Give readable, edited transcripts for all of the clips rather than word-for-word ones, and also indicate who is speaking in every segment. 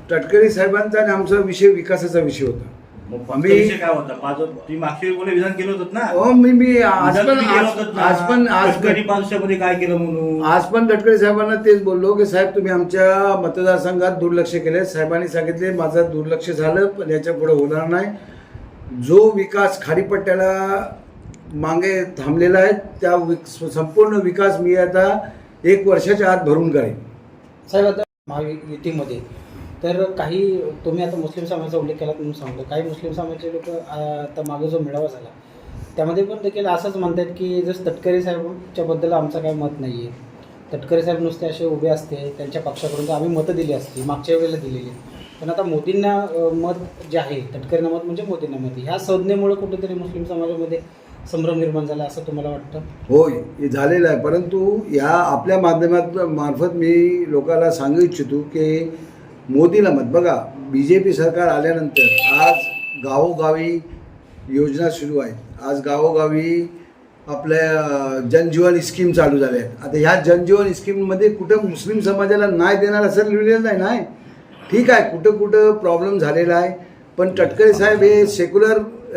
Speaker 1: तटकरे साहेबांचा आणि आमचा विषय विकासाचा विषय होता.
Speaker 2: आम्ही काय होता तुम्ही मागच्या वेळी विधान केलं होतं ना.
Speaker 1: हो मी आज पण
Speaker 2: काय केलं म्हणून
Speaker 1: आज पण तटकरे साहेबांना तेच बोललो की साहेब तुम्ही आमच्या मतदारसंघात दुर्लक्ष केले. साहेबांनी सांगितले माझं दुर्लक्ष झालं पण याच्या पुढे होणार नाही. जो विकास खाडीपट्ट्याला मागे थांबलेला आहे त्या संपूर्ण विकास मी आता 1 वर्षाच्या आत भरून करेन.
Speaker 3: साहेब आता महायुतीमध्ये तर काही तुम्ही आता मुस्लिम समाजाचा उल्लेख केला म्हणून सांगतो, काही मुस्लिम समाजाचे लोक आता मागे जो मेळावा झाला त्यामध्ये पण देखील असंच म्हणतात की जसं तटकरे साहेबांच्याबद्दल आमचं काय मत नाही आहे. तटकरे साहेब नुसते असे उभे असते त्यांच्या पक्षाकडून तर आम्ही मतं दिली असती मागच्या वेळेला दिलेली. पण आता मोदींना मत जे आहे तटकरेंना मत म्हणजे मोदींना मत ह्या संज्ञेमुळे कुठेतरी मुस्लिम समाजामध्ये संभ्रम निर्माण झाला असं तुम्हाला वाटतं?
Speaker 1: होय हे झालेलं आहे. परंतु या आपल्या मार्फत मी लोकांना सांगू इच्छितो की मोदीला मत बघा BJP सरकार आल्यानंतर आज गावोगावी योजना सुरू आहेत. आज गावोगावी आपल्या जनजीवन स्कीम चालू झाल्या आहेत. आता ह्या जनजीवन स्कीममध्ये कुठं मुस्लिम समाजाला नाही देणार असं लिहिलेलं नाही. ठीक आहे कुठं कुठं प्रॉब्लेम झालेला आहे पण तटकरे साहेब हे सेक्युलर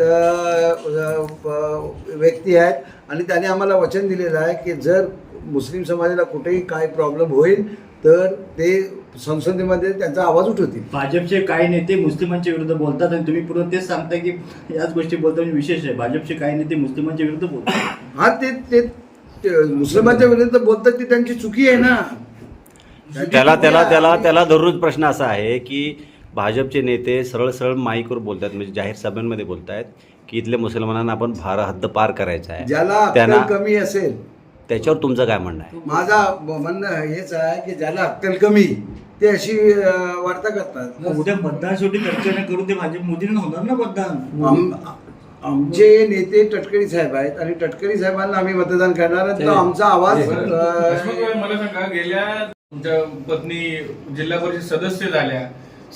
Speaker 1: व्यक्ती आहेत आणि त्याने आम्हाला वचन दिलेलं आहे की जर मुस्लिम समाजाला कुठेही काय प्रॉब्लेम होईल तर ते संसदेमध्ये त्यांचा आवाज उठवतील.
Speaker 2: भाजपचे काही नेते मुस्लिमांच्या विरुद्ध बोलतात आणि तुम्ही पूर्ण तेच सांगता की याच गोष्टी बोलता म्हणजे विशेष आहे. भाजपचे काही नेते मुस्लिमांच्या विरुद्ध बोलतात.
Speaker 1: हा ते मुस्लिमांच्या विरुद्ध बोलतात ती त्यांची चुकी आहे ना.
Speaker 4: त्याला दररोज प्रश्न असा आहे की भाजपचे नेते सरळ माईकवर बोलतात म्हणजे जाहीर सभांमध्ये बोलतायत की इथल्या मुसलमानांना आपण हद्द पार करायचा आहे.
Speaker 1: ज्याला अक्कल कमी असेल
Speaker 4: त्याच्यावर तुमचं काय म्हणणं आहे?
Speaker 1: माझा म्हणणं हेच आहे की ज्याला अक्कल कमी ते अशी वार्ता करतात.
Speaker 2: उद्या मतदान शेवटी तटकरे करून ते भाजप मोदींना होणार ना मतदान.
Speaker 1: आमचे नेते तटकरे साहेब आहेत आणि तटकरे साहेबांना आम्ही मतदान करणार तर आमचा आवाज.
Speaker 5: मला सांगा गेल्या तुमच्या पत्नी जिल्हा परिषद सदस्य झाल्या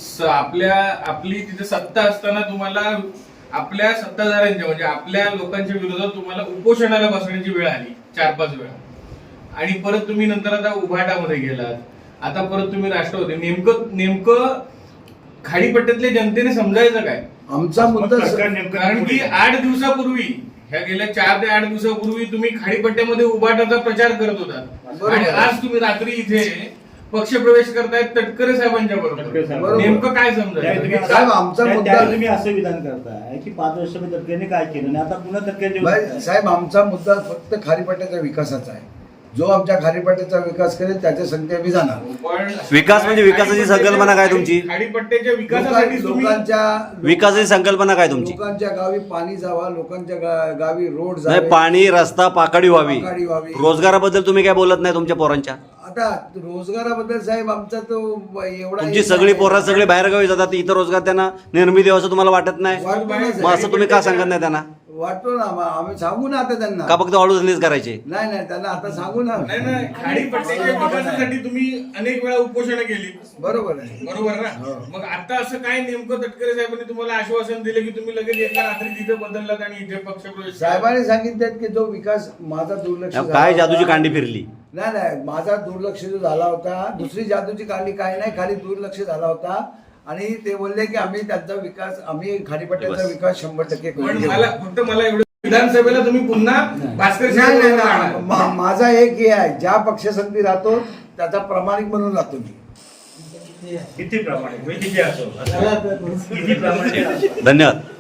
Speaker 5: आपली तिथे सत्ता असताना तुम्हाला आपल्या सत्ताधाऱ्यांच्या म्हणजे आपल्या लोकांच्या विरोधात तुम्हाला उपोषणाला बसण्याची वेळ आली 4-5 वेळा आणि परत तुम्ही नंतर आता उभाटामध्ये गेलात. आता परत तुम्ही राष्ट्रवादी नेमकं खाडीपट्ट्यातल्या जनतेने समजायचं काय
Speaker 1: आमचा मुद्दा?
Speaker 5: कारण की 8 दिवसापूर्वी ह्या गेल्या 4 ते 8 दिवसापूर्वी तुम्ही खाडीपट्ट्यामध्ये उभाटाचा प्रचार करत होता आणि आज तुम्ही रात्री इथे पक्षप्रवेश करतायत तटकरे साहेबांच्या बरोबर. नेमकं काय समजायचं?
Speaker 1: आमचा मुद्दा
Speaker 2: तुम्ही असं विधान करताय की 5 वर्षामध्ये तटकरेने काय केलं आणि आता पुन्हा तटकरे.
Speaker 1: साहेब आमचा मुद्दा फक्त खाडीपट्ट्याच्या विकासाचा आहे. जो आमच्या खाडीपट्ट्याचा विकास करेल त्याच्या संख्या आम्ही जाणार.
Speaker 4: विकास म्हणजे विकासाची संकल्पना काय तुमची?
Speaker 5: खाडीपट्ट्याच्या विकासासाठी
Speaker 4: विकासाची संकल्पना काय तुमची?
Speaker 1: लोकांच्या गावी पाणी जावा, लोकांच्या गावी रोड जावे,
Speaker 4: पाणी रस्ता पाकडी व्हावी. रोजगाराबद्दल तुम्ही काय बोलत नाही तुमच्या पोरांच्या?
Speaker 1: आता रोजगाराबद्दल साहेब आमचा तो एवढा
Speaker 4: तुमची सगळी पोरं सगळे बाहेरगावी जातात इथं रोजगार त्यांना निर्मिती असं तुम्हाला वाटत नाही? मग असं तुम्ही का सांगत नाही त्यांना?
Speaker 1: वाटतो ना आम्ही सांगू ना आता त्यांना.
Speaker 4: का फक्त वाढूच करायचे?
Speaker 1: नाही त्यांना आता सांगू ना.
Speaker 5: नाही खाडीपट्ट्याच्या विकासासाठी तुम्ही अनेक वेळा उपोषणं केली.
Speaker 1: बरोबर आहे.
Speaker 5: बरोबर ना. मग आता असं काय नेमकं तटकरे साहेबांनी तुम्हाला आश्वासन दिलं की तुम्ही लगेच एका रात्री तिथे बदललात आणि इथे पक्षप्रवेश?
Speaker 1: साहेबांनी सांगितलं की जो विकास माझा दुर्लक्ष
Speaker 4: काय जादूची कांडी फिरली?
Speaker 1: नाही माझा दुर्लक्ष जो झाला होता दुसरी जादूची कांडी काय नाही खाली दुर्लक्ष झाला होता आणि ते बोलले की आम्ही त्यांचा विकास आम्ही खाडीपट्ट्याचा विकास 100% करू.
Speaker 5: मला एवढं विधानसभेला तुम्ही पुन्हा भास्कर
Speaker 1: माझा एक हे आहे ज्या पक्षसंगती राहतो त्याचा प्रामाणिक म्हणून राहतो मी.
Speaker 2: किती प्रामाणिक किती असो
Speaker 4: धन्यवाद.